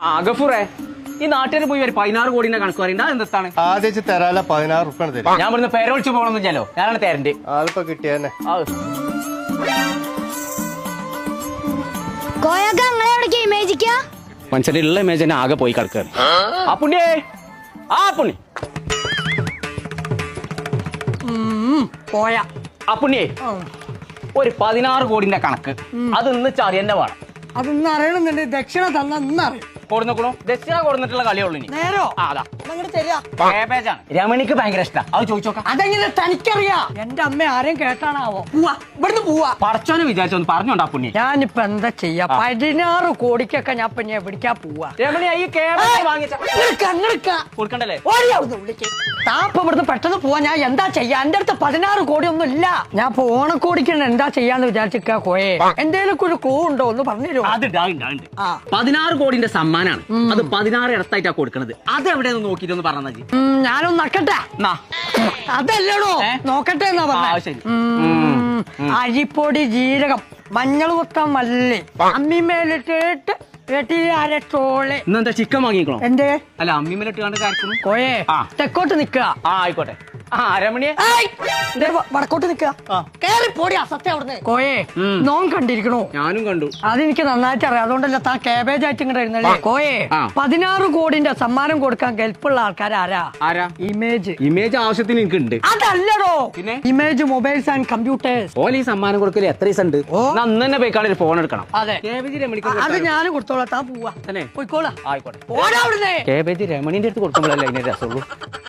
ഗഫൂറേ, ഈ നാട്ടിൽ പോയി ഒരു 16 കോടിന്റെ കണക്ക് പറയണ്ട. എന്താണ് ആദ്യം തരാല 16 റുപ്യ തരും. ഞാൻ ഇവിടുന്ന് പേരൊളിച്ച് പോകണമെന്നില്ലല്ലോ, ഞാനാണ് തരണ്ട്. ആളിപ്പോ കിട്ടിയെന്നെ. മനുഷ്യന്റെ ഉള്ള ഇമേജ് തന്നെ ആകെ പോയി കിടക്കുകയാണ്. ആ പുണ്യേ, ആ പുണ്ണി പോയാ ആ പുണ്യേ, ഒരു 16 കോടിന്റെ കണക്ക് അത് ഇന്ന് ചറിയന്നെ വേണം. അതൊന്നും അറിയണമെന്നുണ്ട്. ദക്ഷിണ തന്ന ഇന്നറിയും. കൊടുന്നോളൂ, ദക്ഷിണ കൊടുത്തിട്ടുള്ള കളിയുള്ളൂ ഇനി. നേരോ അതാ തരിക. രമണിക്ക് ഭയങ്കര ഇഷ്ടം. അത് ചോദിച്ചോക്കാം. അതെങ്ങനെ തനിക്കറിയാം? എന്റെ അമ്മ ആരെയും കേട്ടാണാവോ? പോവാ, ഇവിടുന്ന് പോവാ. പറച്ചോനെ വിചാരിച്ചൊന്ന് പറഞ്ഞോണ്ടാ പുണ്യ. ഞാനിപ്പോ എന്താ ചെയ്യാ? 16 കോടിക്കൊക്കെ ഞാൻ പിന്നെ എവിടേക്കാ പോവാ? രമണി ഈ കൊടുക്കണ്ടല്ലേ? താപ്പ ഇവിടുന്ന് പെട്ടെന്ന് പോവാ. ഞാൻ എന്താ ചെയ്യാ? എന്റെ അടുത്ത് 16 കോടി ഒന്നും ഇല്ല. ഞാൻ ഇപ്പൊ ഓണക്കോടിക്ക് എന്താ ചെയ്യാന്ന് വിചാരിച്ചിക്കാ. കോയെ എന്തേലും ഒരു ക്ലൂ ഉണ്ടോ ഒന്ന് പറഞ്ഞു. അത് 16 കോടിന്റെ സമ്മാനാണ്. അത് 16 ഇടത്തായിട്ടാ കൊടുക്കണത്. അത് എവിടെയെന്ന് നോക്കിട്ടൊന്ന് പറഞ്ഞാ മതി. ഞാനൊന്ന് നക്കട്ടെ. അതല്ലടോ, നോക്കട്ടെ എന്നാ പറഞ്ഞ. അരിപ്പൊടി, ജീരകം, മഞ്ഞൾ കൊത്ത, മല്ലി, അമ്മിമേലിട്ടിട്ട് വെട്ടിയരച്ചോളെ. ഇന്നെന്താ ചിക്കൻ വാങ്ങിക്കണോ? എന്തേ? അല്ല, അമ്മിമേലിട്ട് കണ്ട് കാര്യക്കുന്നു. കോയെ തെക്കോട്ട് നിക്കുക. ആയിക്കോട്ടെ. രമണിയെ വടക്കോട്ട് നിക്കുക. കേറി പോടി അസത്യം അവിടുന്ന്. കോയെ നോൻ കണ്ടിരിക്കണോ? ഞാനും കണ്ടു. അതെനിക്ക് നന്നായിട്ട് അറിയാം. അതുകൊണ്ടല്ല താൻ കാബേജ് ആയിട്ട് ഇങ്ങോട്ട് ഇരുന്നല്ലേ. കോയെ 16 കോടിന്റെ സമ്മാനം കൊടുക്കാൻ കെൽപ്പുള്ള ആൾക്കാർ ആരാ? ഇമേജ് ആവശ്യത്തിന് എനിക്കുണ്ട്. അതല്ലടോ, പിന്നെ ഇമേജ് മൊബൈൽസ് ആൻഡ് കമ്പ്യൂട്ടേഴ്സ്. ഓല ഈ സമ്മാനം കൊടുക്കല് എത്ര ദിവസം ഉണ്ട്? അന്ന് തന്നെ പോയിക്കാണ് ഒരു ഫോൺ എടുക്കണം. അതെ, അത് ഞാൻ കൊടുത്തോളാം. താൻ പോവാ, പോയിക്കോളാം. ആയിക്കോട്ടെ. കേബേജ് രമണിന്റെ അടുത്ത് കൊടുക്കുമ്പോഴല്ലേ അതിന്റെ രസമുള്ളൂ.